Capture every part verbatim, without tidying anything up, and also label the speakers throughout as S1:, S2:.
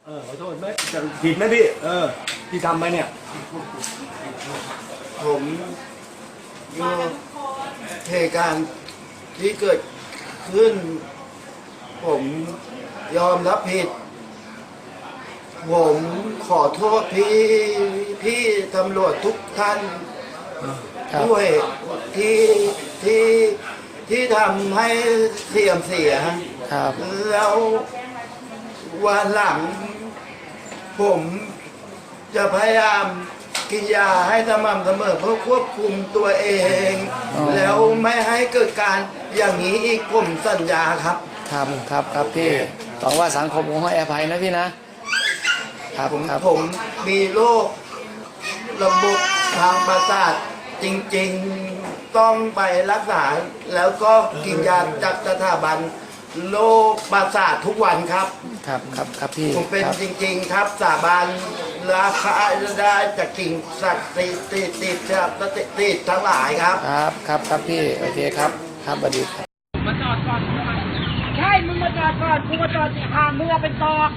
S1: ออขอโทษไหมจะผิดไหมพี่เออที่ทำไปเนี่ย
S2: ผมอยู่เหตุการณ์ที่เกิดขึ้นผมยอมรับผิดผมขอโทษพี่พี่ตำรวจทุกท่านด้วยที่ที่ที่ทำให้เสียมเสีย
S3: ครับ
S2: แล้ววันหลังผมจะพยายามกินยาให้สม่ำเสมอเพื่อควบคุมตัวเอง แล้วไม่ให้เกิดการอย่างนี้อีกผมสัญญาครับ
S3: ครับครับครับพี่หวังว่าสังคมคงให้อภัยนะพี่นะครับ
S2: ผม
S3: ครับ
S2: ผมมีโรคระบบทางประสาทจริงๆต้องไปรักษาแล้วก็กินยาจากสถาบันโรคประสาททุกวันครับ
S3: ครับครับครับพี่
S2: ผมเป็นจริงๆครับสาบานราคาได้จากกิ่งสัตว์ติดติดติดครับติดติดทั้งหลายครับ
S3: ครับครับครับพี่โอเคครับครับสวัสดีครับ
S4: มาจอดก่อนใช่มึงมาจอดก่อนกูมาจอดห่างมึงเป็นตอก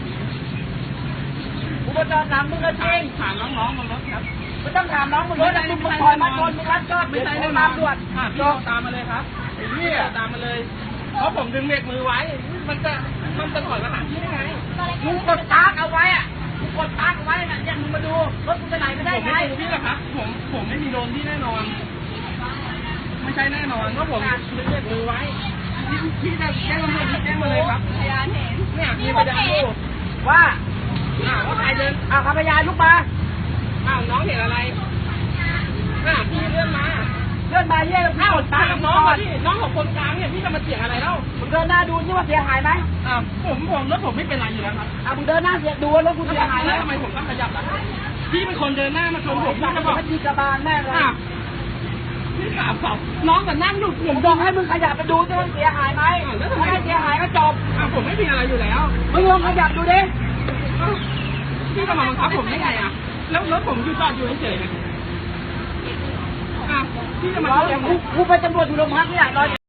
S4: กูมาจอดหลังมึงก็จริงถามน้องๆบนรถครับไม่ต้องถามน้องบนรถนะมึงคอยมาชนมึงรับจอดไม่ใช่แน่นอนตรวจพี่ตามมาเลยครับพี่ตามมาเลยเพราะผมดึงเบรกมือไว้มันจะมันจะถอยมาหาพี่ได้ไงมึงกดตากเอาไว้อะมึงกดตากเอาไว้นะอย่างมึงมาดูรถกูจะไหนไม่ได้ไงผมไม่ดูพี่หรอกครับผมผมไม่มีโดนพี่แน่นอนไม่ใช่แน่นอนว่าผมดึงเบรกมือไว้พี่พี่จะแจ้งตำรวจแจ้งมาเลยครับพยานเห็นเนี่ยมีพยานดูว่าอ้าวว่าใครเดินอ้าวพยานลุกมาอ้าวน้องเห็นอะไรอ้าวพี่เลื่อนมาเลื่อนมาเยี่ยมเข้าตากับน้องพี่น้องของคนกลางเนี่ยพี่จะมาเสียอะไรเล่ามึงเดินหน้าดูนี่ว่าเสียหายไหมอ้าวผมผมรถผมไม่เป็นไรอยู่แล้วครับอ้าวมึงเดินหน้าเสียดูว่ารถกูเสียหายไหมทำไมผมต้องขยับล่ะพี่เป็นคนเดินหน้ามาชนผมพี่จะบอกพี่กระบาลแม่เลยพี่ถามเขาน้องแต่นั่งอยู่ผมบอกให้มึงขยับไปดูจะมันเสียหายไหมถ้าไม่เสียหายก็จบอ้าวผมไม่มีอะไรอยู่แล้วมึงลองขยับดูดิพี่จะมาบังคับผมได้ไงอ่ะแล้วรถผมอยู่จอดอยู่เฉยๆพี่จะมากูไปตำรวจอยู่โรงพักนี่แหละ